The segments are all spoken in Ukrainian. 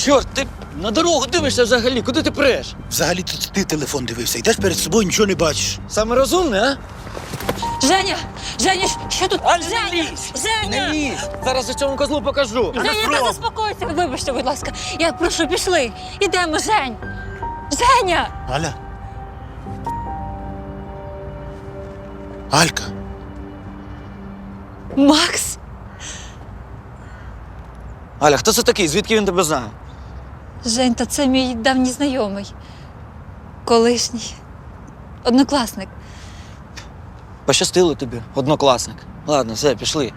Чорт, ти на дорогу дивишся взагалі, куди ти преш? Взагалі тут ти телефон дивився. Йдеш перед собою, нічого не бачиш. Саме розумне, а? Женя! Женя, що тут? Аль, Женя! не лізь! Женя! Не лізь! Зараз я цьому козлу покажу. Женя, та заспокойся, вибачте, будь ласка. Я прошу, пішли. Ідемо, Жень. Женя! Аля? Алька? Макс? Аля, хто це такий? Звідки він тебе знає? Жень, та це мій давній знайомий. Колишній. Однокласник. Пощастило тобі, однокласник. Ладно, все, пішли.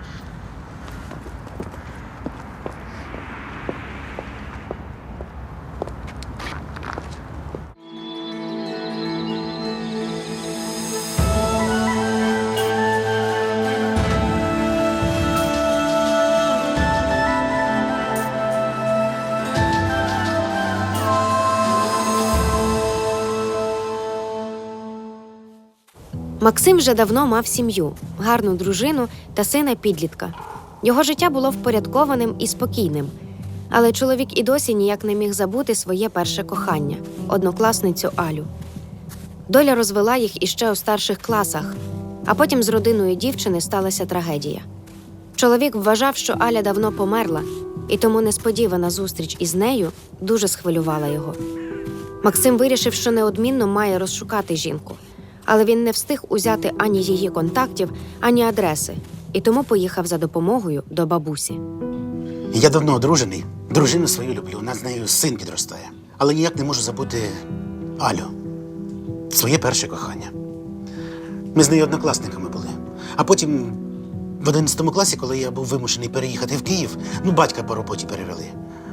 Максим вже давно мав сім'ю, гарну дружину та сина-підлітка. Його життя було впорядкованим і спокійним. Але чоловік і досі ніяк не міг забути своє перше кохання – однокласницю Алю. Доля розвела їх іще у старших класах, а потім з родиною дівчини сталася трагедія. Чоловік вважав, що Аля давно померла, і тому несподівана зустріч із нею дуже схвилювала його. Максим вирішив, що неодмінно має розшукати жінку. Але він не встиг узяти ані її контактів, ані адреси, і тому поїхав за допомогою до бабусі. Я давно одружений. Дружину свою люблю. У нас з нею син підростає. Але ніяк не можу забути Алю. Своє перше кохання. Ми з нею однокласниками були. А потім в 11 класі, коли я був вимушений переїхати в Київ, батька по роботі перевели.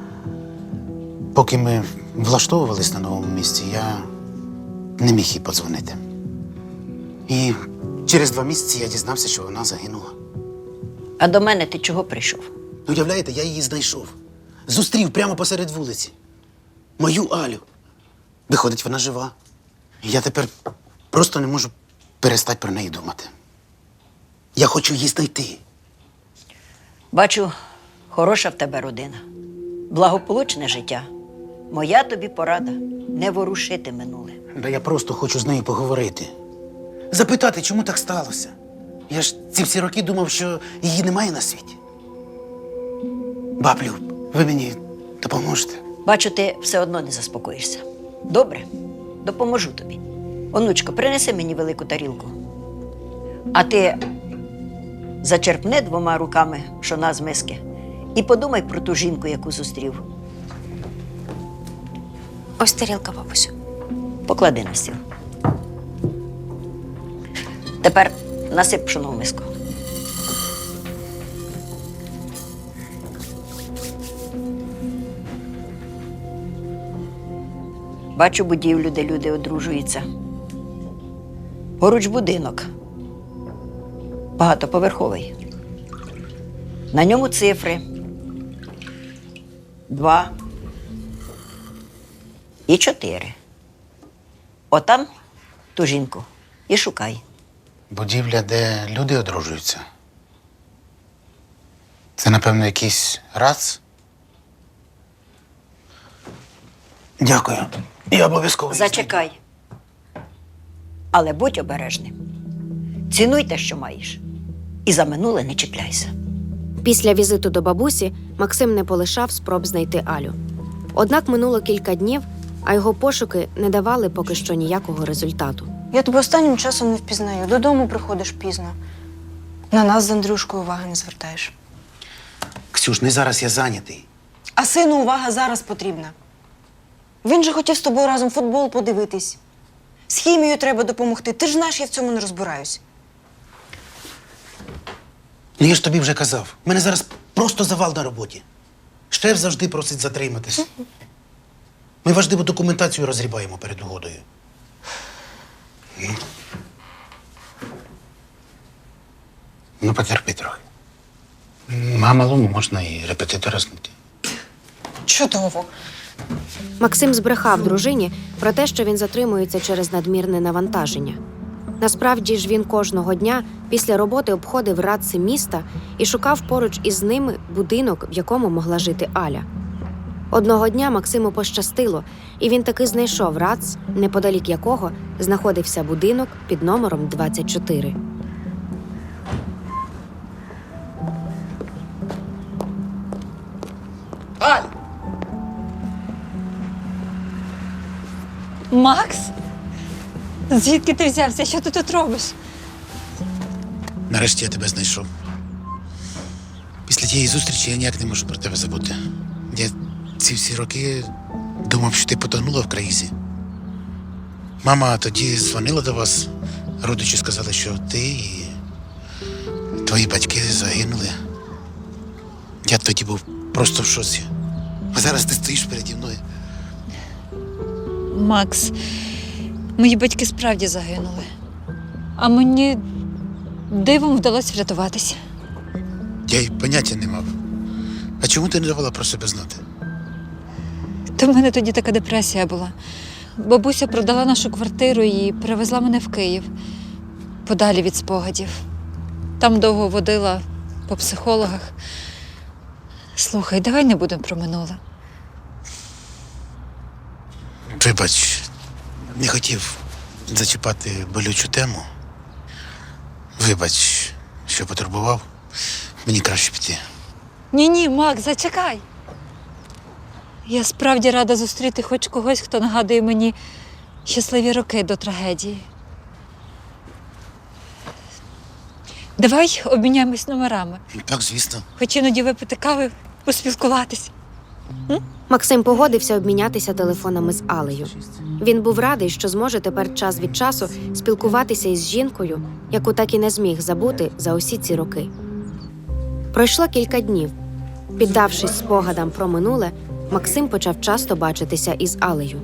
Поки ми влаштовувались на новому місці, я не міг їй подзвонити. І через 2 місяці я дізнався, що вона загинула. А до мене ти чого прийшов? Уявляєте, я її знайшов. Зустрів прямо посеред вулиці. Мою Алю. Виходить, вона жива. І я тепер просто не можу перестати про неї думати. Я хочу її знайти. Бачу, хороша в тебе родина. Благополучне життя. Моя тобі порада – не ворушити минуле. Да я просто хочу з нею поговорити. Запитати, чому так сталося. Я ж ці всі роки думав, що її немає на світі. Баблю, ви мені допоможете? Бачу, ти все одно не заспокоїшся. Добре, допоможу тобі. Онучко, принеси мені велику тарілку. А ти зачерпни 2 руками пшона з миски і подумай про ту жінку, яку зустрів. Ось тарілка, бабусю. Поклади на стіл. Тепер насип пшоно в миску. Бачу будівлю, де люди одружуються. Поруч будинок. Багатоповерховий. На ньому цифри. 2 і 4. Отам ту жінку і шукай. Будівля, де люди одружуються. Це, напевно, якийсь РАЦ? Дякую. Я обов'язково. Зачекай. Але будь обережним. Цінуй те, що маєш. І за минуле не чіпляйся. Після візиту до бабусі Максим не полишав спроб знайти Алю. Однак минуло кілька днів, а його пошуки не давали поки що ніякого результату. Я тебе останнім часом не впізнаю. Додому приходиш пізно. На нас з Андрюшкою уваги не звертаєш. Ксюш, не зараз я зайнятий. А сину увага зараз потрібна. Він же хотів з тобою разом футбол подивитись. З хімією треба допомогти. Ти ж знаєш, я в цьому не розбираюсь. Я ж тобі вже казав. У мене зараз просто завал на роботі. Шеф завжди просить затриматись. Ми важливу документацію розгрібаємо перед угодою. Ну, потерпи трохи. А малому можна і репетитора знайти. Чудово. Максим збрехав дружині про те, що він затримується через надмірне навантаження. Насправді ж він кожного дня після роботи обходив радси міста і шукав поруч із ними будинок, в якому могла жити Аля. Одного дня Максиму пощастило, і він таки знайшов РАЦ, неподалік якого знаходився будинок під номером 24. Аль! Макс? Звідки ти взявся? Що ти тут робиш? Нарешті я тебе знайшов. Після тієї зустрічі я ніяк не можу про тебе забути. Я ці всі роки думав, що ти потонула в країзі. Мама тоді дзвонила до вас. Родичі сказали, що ти і твої батьки загинули. Я тоді був просто в шоці. А зараз ти стоїш переді мною. Макс, мої батьки справді загинули. А мені дивом вдалося врятуватися. Я й поняття не мав. А чому ти не давала про себе знати? То в мене тоді така депресія була. Бабуся продала нашу квартиру і перевезла мене в Київ, подалі від спогадів. Там довго водила по психологах. Слухай, давай не будемо про минуле. Вибач, не хотів зачіпати болючу тему. Вибач, що потурбував. Мені краще піти. Ні, Макс, зачекай. Я справді рада зустріти хоч когось, хто нагадує мені щасливі роки до трагедії. Давай обміняємось номерами. Так, звісно. Хоч іноді випити кави, поспілкуватись. Максим погодився обмінятися телефонами з Алею. Він був радий, що зможе тепер час від часу спілкуватися із жінкою, яку так і не зміг забути за усі ці роки. Пройшло кілька днів. Піддавшись спогадам про минуле, Максим почав часто бачитися із Алею.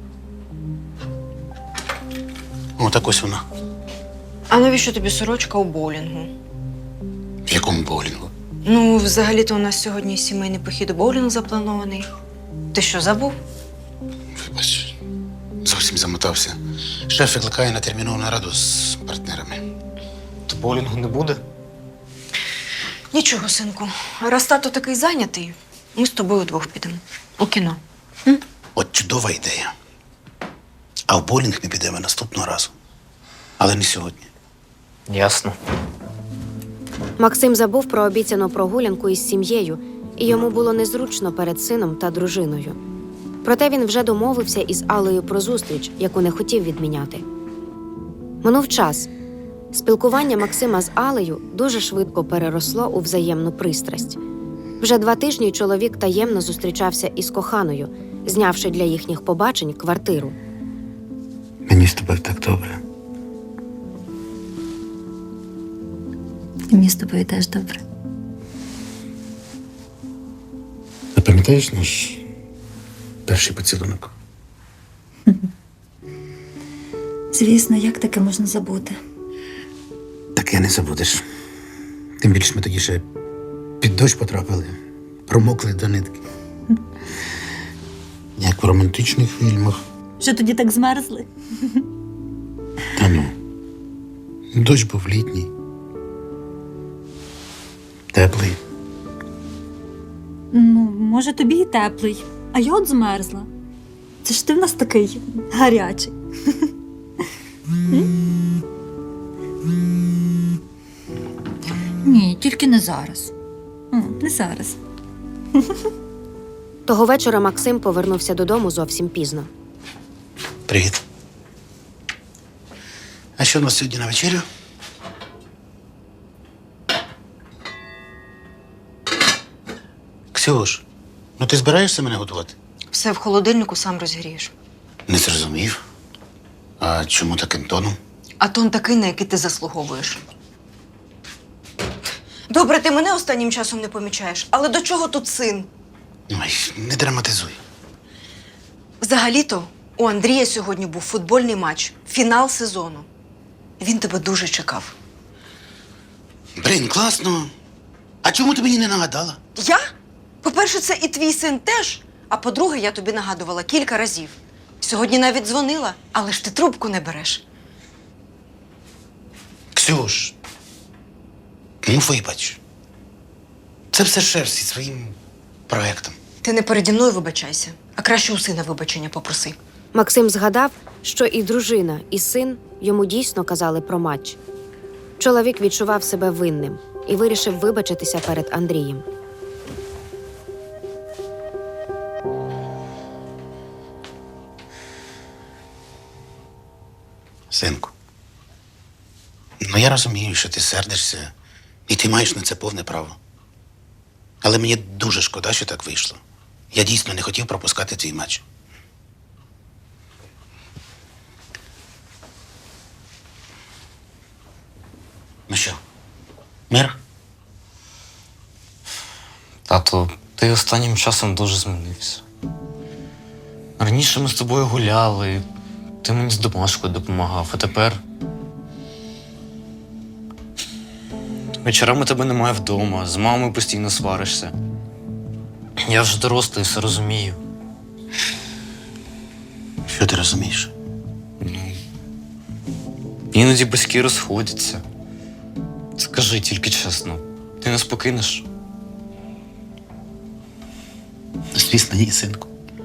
О, так ось вона. А навіщо тобі сорочка у боулінгу? В якому боулінгу? Ну, взагалі-то у нас сьогодні сімейний похід у боулінг запланований. Ти що, забув? Вибач, зовсім замотався. Шеф викликає на термінову нараду з партнерами. То боулінгу не буде? Нічого, синку. Раз тато такий зайнятий, ми з тобою вдвох підемо. У кіно. От чудова ідея. А в боулінг ми підемо наступного разу. Але не сьогодні. Ясно. Максим забув про обіцяну прогулянку із сім'єю, і йому було незручно перед сином та дружиною. Проте він вже домовився із Алею про зустріч, яку не хотів відміняти. Минув час. Спілкування Максима з Алею дуже швидко переросло у взаємну пристрасть. Вже 2 тижні чоловік таємно зустрічався із коханою, знявши для їхніх побачень квартиру. Мені з тобою так добре. Мені з тобою теж добре. А пам'ятаєш наш перший поцілунок? Звісно, як таке можна забути? Так я не забудеш. Тим більше ми тоді ще під дощ потрапили, промокли до нитки. Як в романтичних фільмах. Що тоді так змерзли? Та ну, дощ був літній. Теплий. Ну, може, тобі і теплий, а я от змерзла. Це ж ти в нас такий гарячий. Ні, тільки не зараз. Не зараз. Того вечора Максим повернувся додому зовсім пізно. Привіт. А що у нас сьогодні на вечерю? Ксюш, ну ти збираєшся мене готувати? Все в холодильнику сам розгрієш. Не зрозумів. А чому таким тоном? А тон такий, на який ти заслуговуєш. Добре, ти мене останнім часом не помічаєш, але до чого тут син? Ой, не драматизуй. Взагалі-то у Андрія сьогодні був футбольний матч, фінал сезону. Він тебе дуже чекав. Блін, класно. А чому ти мені не нагадала? Я? По-перше, це і твій син теж. А по-друге, я тобі нагадувала кілька разів. Сьогодні навіть дзвонила, але ж ти трубку не береш. Ксюш, ну вибач. Це все шеф зі своїм проектом. Ти Ти не переді мною вибачайся, а краще у сина вибачення попроси. Максим згадав, що і дружина, і син йому дійсно казали про матч. Чоловік відчував себе винним і вирішив вибачитися перед Андрієм. Синку, ну я розумію, що ти сердишся, і ти маєш на це повне право. Але мені дуже шкода, що так вийшло. Я дійсно не хотів пропускати цей матч. Ну що, мир? Тато, ти останнім часом дуже змінився. Раніше ми з тобою гуляли, ти мені з домашкою допомагав, а тепер. Вечорами тебе немає вдома, з мамою постійно сваришся. Я вже дорослий, все розумію. Що ти розумієш? Іноді батьки розходяться. Скажи тільки чесно, ти нас покинеш? Звісно, ні, синку.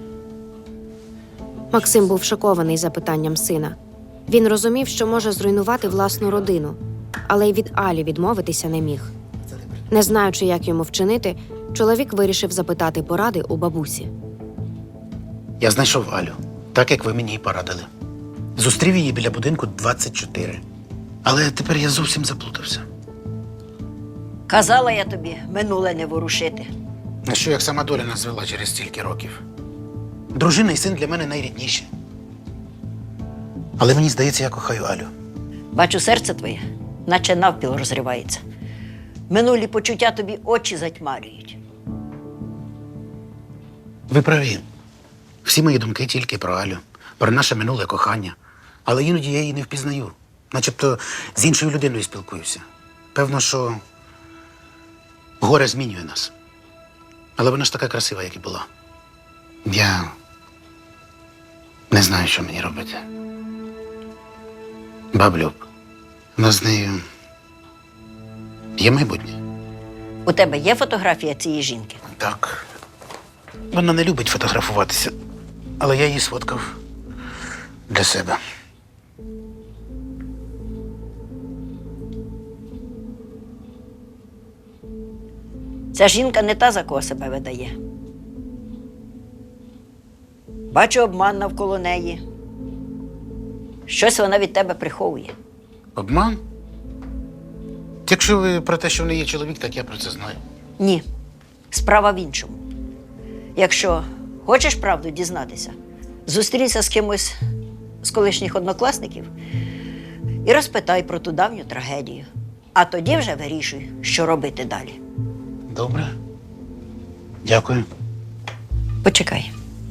Максим був шокований запитанням сина. Він розумів, що може зруйнувати власну родину, але й від Алі відмовитися не міг. Не знаючи, як йому вчинити, чоловік вирішив запитати поради у бабусі. Я знайшов Алю, так як ви мені і порадили. Зустрів її біля будинку 24. Але тепер я зовсім заплутався. Казала я тобі, минуле не ворушити. А що як сама доля нас звела через стільки років? Дружина і син для мене найрідніші. Але мені здається, я кохаю Алю. Бачу, серце твоє, наче навпіл розривається. Минулі почуття тобі очі затьмарюють. Ви праві. Всі мої думки тільки про Алю, про наше минуле кохання. Але іноді я її не впізнаю. Начебто з іншою людиною спілкуюся. Певно, що горе змінює нас. Але вона ж така красива, як і була. Я не знаю, що мені робити. Баблюб, у нас з нею є майбутнє. У тебе є фотографія цієї жінки? Так. Вона не любить фотографуватися, але я її сфоткав для себе. Ця жінка не та, за кого себе видає. Бачу обман навколо неї. Щось вона від тебе приховує. Обман? Якщо ви про те, що в неї є чоловік, так я про це знаю. Ні, справа в іншому. Якщо хочеш правду дізнатися, зустрінься з кимось з колишніх однокласників і розпитай про ту давню трагедію. А тоді вже вирішуй, що робити далі. Добре. Дякую. Почекай.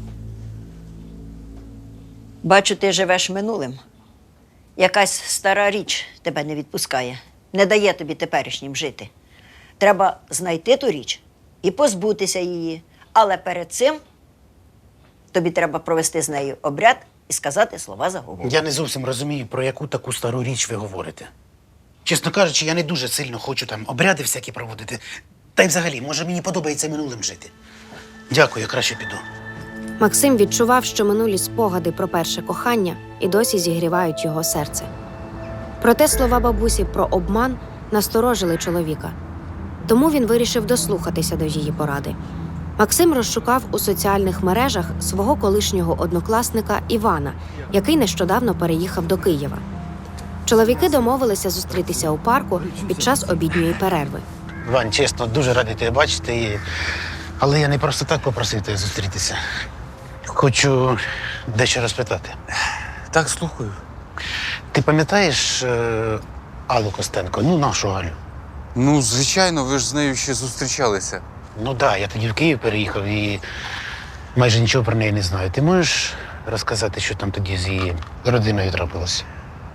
Бачу, ти живеш минулим. Якась стара річ тебе не відпускає, не дає тобі теперішнім жити. Треба знайти ту річ і позбутися її. Але перед цим тобі треба провести з нею обряд і сказати слова заговору. Я не зовсім розумію, про яку таку стару річ ви говорите. Чесно кажучи, я не дуже сильно хочу там обряди всякі проводити. Та й взагалі, може, мені подобається минулим жити. Дякую, я краще піду. Максим відчував, що минулі спогади про перше кохання і досі зігрівають його серце. Проте слова бабусі про обман насторожили чоловіка. Тому він вирішив дослухатися до її поради. Максим розшукав у соціальних мережах свого колишнього однокласника Івана, який нещодавно переїхав до Києва. Чоловіки домовилися зустрітися у парку під час обідньої перерви. Вань, чесно, дуже радий тебе бачити. Але я не просто так попросив тебе зустрітися. Хочу дещо розпитати. Так, слухаю. Ти пам'ятаєш Аллу Костенко? Ну, нашу Алю. Ну, звичайно, ви ж з нею ще зустрічалися. Ну так, я тоді в Київ переїхав і майже нічого про неї не знаю. Ти можеш розказати, що там тоді з її родиною трапилося?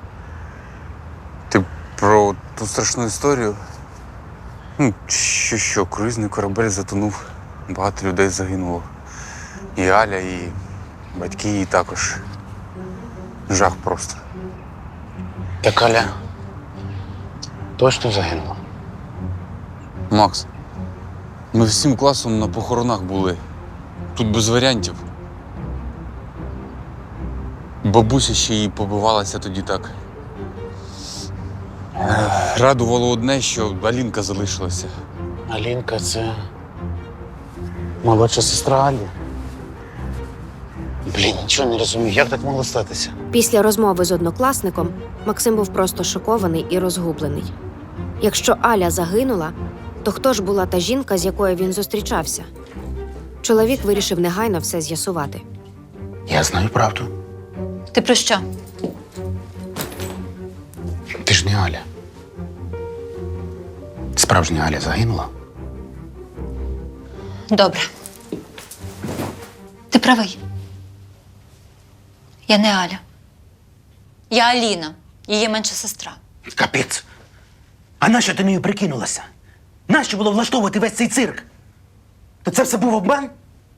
Ти про ту страшну історію? Ну, що, круїзний корабель затонув, багато людей загинуло. І Аля, і батьки її також. Жах просто. Так Аля точно загинула? Макс, ми всім класом на похоронах були. тут без варіантів. Бабуся ще й побивалася тоді так. Радувало одне, що Алінка залишилася. Алінка це молодша сестра Алі. Блін, нічого не розумію, як так могло статися? Після розмови з однокласником Максим був просто шокований і розгублений. Якщо Аля загинула, то хто ж була та жінка, з якою він зустрічався? Чоловік вирішив негайно все з'ясувати. Я знаю правду. Ти про що? Ти ж не Аля. Справжня Аля загинула. Добре. Ти правий. Я не Аля. Я Аліна, її менша сестра. Капець. А нащо ти нею прикинулася? Нащо було влаштовувати весь цей цирк? То це все був обман?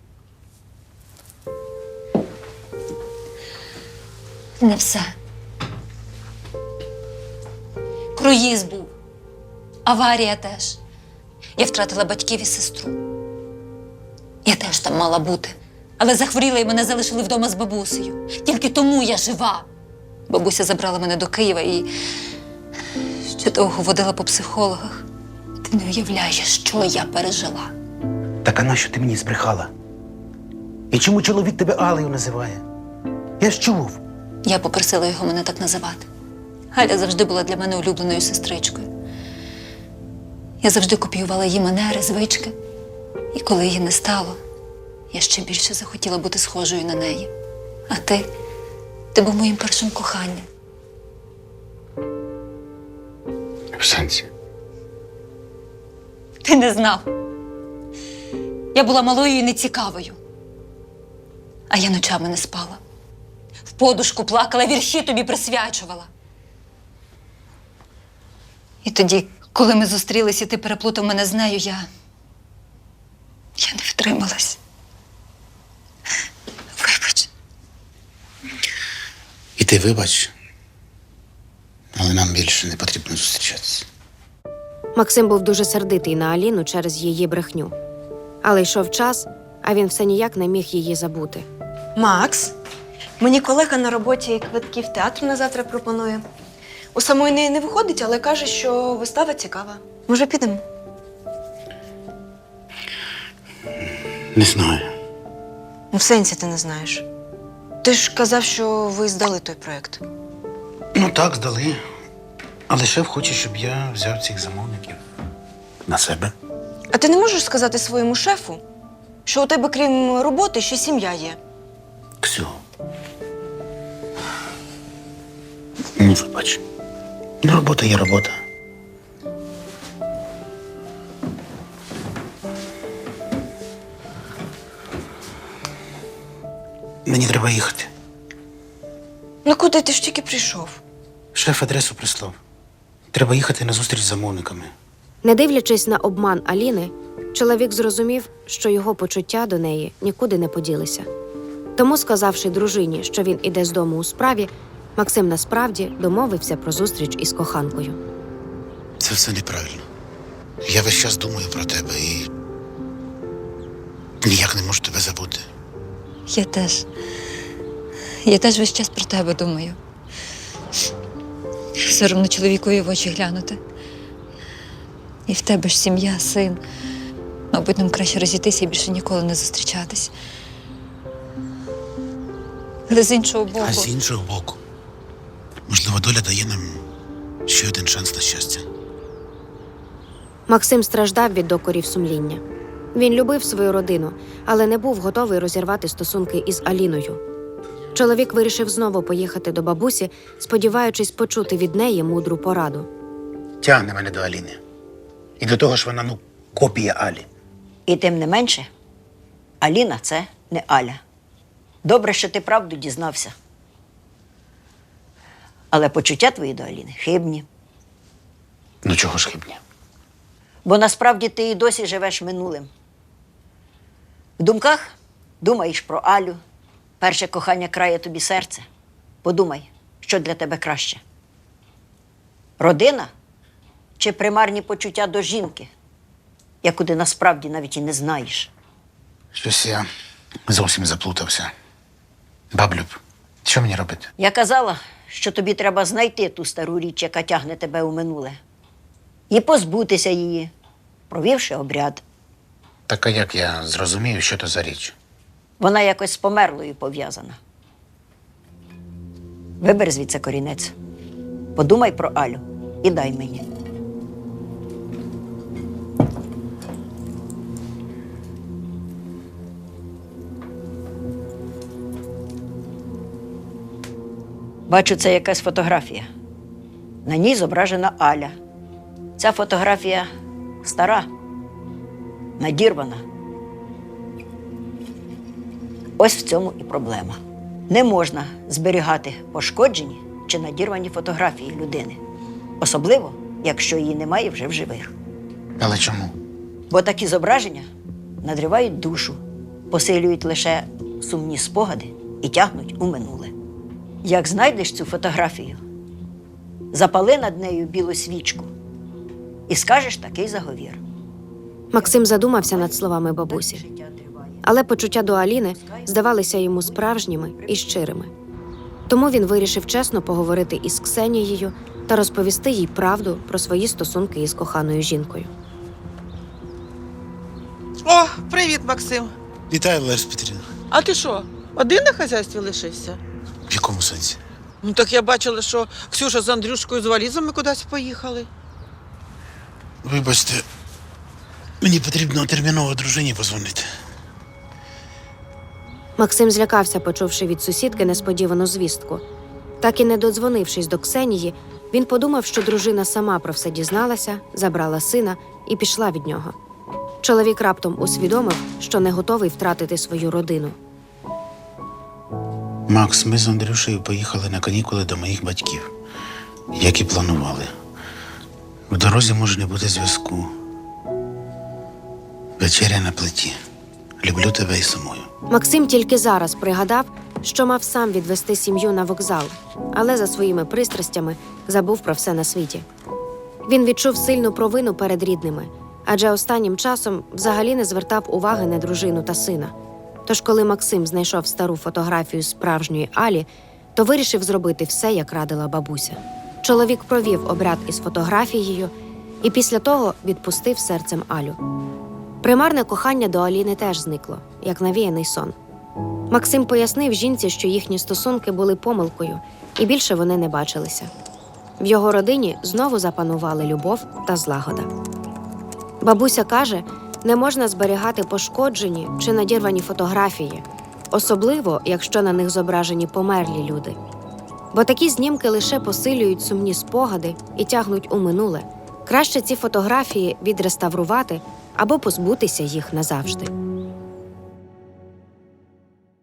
Не все. Круїз був. Аварія теж. Я втратила батьків і сестру. Я теж там мала бути. Але захворіла і мене залишили вдома з бабусею. Тільки тому я жива. Бабуся забрала мене до Києва і ще довго водила по психологах. Ти не уявляєш, що я пережила. Так а нащо ти мені збрехала? І чому чоловік тебе Алею називає? Я ж чув. Я попросила його мене так називати. Галя завжди була для мене улюбленою сестричкою. Я завжди копіювала її манери, звички. І коли її не стало, я ще більше захотіла бути схожою на неї. А ти був моїм першим коханням. В сенсі? Ти не знав. Я була малою і нецікавою. А я ночами не спала. В подушку плакала, вірші тобі присвячувала. І тоді, коли ми зустрілись і ти переплутав мене з нею, я не втрималась. Вибач. І ти вибач, але нам більше не потрібно зустрічатися. Максим був дуже сердитий на Аліну через її брехню. Але йшов час, а він все ніяк не міг її забути. Макс, мені колега на роботі квитки в театр на завтра пропонує. У самої неї не виходить, але каже, що вистава цікава. Може, підемо? Не знаю. Ну, в сенсі ти не знаєш. Ти ж казав, що ви здали той проєкт. Ну так, здали. Але шеф хоче, щоб я взяв цих замовників на себе. А ти не можеш сказати своєму шефу, що у тебе, крім роботи, ще сім'я є? Ксю. Ну, вибач. Ну, робота є робота. Мені треба їхати. Ну куди ти ж тільки прийшов? Шеф адресу прислав. Треба їхати на зустріч з замовниками. Не дивлячись на обман Аліни, чоловік зрозумів, що його почуття до неї нікуди не поділися. Тому, сказавши дружині, що він іде з дому у справі, Максим насправді домовився про зустріч із коханкою. Це все неправильно. Я весь час думаю про тебе і ніяк не можу тебе забути. Я теж весь час про тебе думаю. Соромно чоловікові в очі глянути. І в тебе ж сім'я, син. Мабуть, нам краще розійтися і більше ніколи не зустрічатись. Але з іншого боку... А з іншого боку, можливо, доля дає нам ще один шанс на щастя. Максим страждав від докорів сумління. Він любив свою родину, але не був готовий розірвати стосунки із Аліною. Чоловік вирішив знову поїхати до бабусі, сподіваючись почути від неї мудру пораду. Тягне мене до Аліни. І до того ж вона, копія Алі. І тим не менше, Аліна – це не Аля. Добре, що ти правду дізнався. Але почуття твої до Аліни хибні. Ну чого ж хибні? Бо насправді ти і досі живеш минулим. В думках думаєш про Алю. Перше кохання крає тобі серце. Подумай, що для тебе краще. Родина чи примарні почуття до жінки, яку ти насправді навіть і не знаєш? Щось я Зовсім заплутався. Баблюб, що мені робити? Я казала, що тобі треба знайти ту стару річ, яка тягне тебе у минуле, і позбутися її, провівши обряд. Так а як я зрозумію, що то за річ? Вона якось з померлою пов'язана. Вибери звідси корінець. Подумай про Алю і дай мені. Бачу, це якась фотографія. На ній зображена Аля. Ця фотографія стара, надірвана. Ось в цьому і проблема. Не можна зберігати пошкоджені чи надірвані фотографії людини. Особливо, якщо її немає вже в живих. Але чому? Бо такі зображення надривають душу, посилюють лише сумні спогади і тягнуть у минуле. Як знайдеш цю фотографію, запали над нею білу свічку і скажеш такий заговір. Максим задумався над словами бабусі, але почуття до Аліни здавалися йому справжніми і щирими. Тому він вирішив чесно поговорити із Ксенією та розповісти їй правду про свої стосунки із коханою жінкою. О, привіт, Максим. Вітаю, Лариса Петрівна. А ти що, один на хазяйстві лишився? В якому сенсі? Ну так я бачила, що Ксюша з Андрюшкою з валізами кудись поїхали. Вибачте, мені потрібно терміново дружині позвонити. Максим злякався, почувши від сусідки несподівану звістку. Так і не додзвонившись до Ксенії, він подумав, що дружина сама про все дізналася, забрала сина і пішла від нього. Чоловік раптом усвідомив, що не готовий втратити свою родину. Макс, ми з Андрюшею поїхали на канікули до моїх батьків, як і планували. В дорозі може не бути зв'язку. Вечеря на плиті. Люблю тебе і самою. Максим тільки зараз пригадав, що мав сам відвести сім'ю на вокзал, але за своїми пристрастями забув про все на світі. Він відчув сильну провину перед рідними, адже останнім часом взагалі не звертав уваги на дружину та сина. Тож, коли Максим знайшов стару фотографію справжньої Алі, то вирішив зробити все, як радила бабуся. Чоловік провів обряд із фотографією і після того відпустив серцем Алю. Примарне кохання до Аліни теж зникло, як навіяний сон. Максим пояснив жінці, що їхні стосунки були помилкою, і більше вони не бачилися. В його родині знову запанували любов та злагода. Бабуся каже, не можна зберігати пошкоджені чи надірвані фотографії, особливо, якщо на них зображені померлі люди. Бо такі знімки лише посилюють сумні спогади і тягнуть у минуле. Краще ці фотографії відреставрувати або позбутися їх назавжди.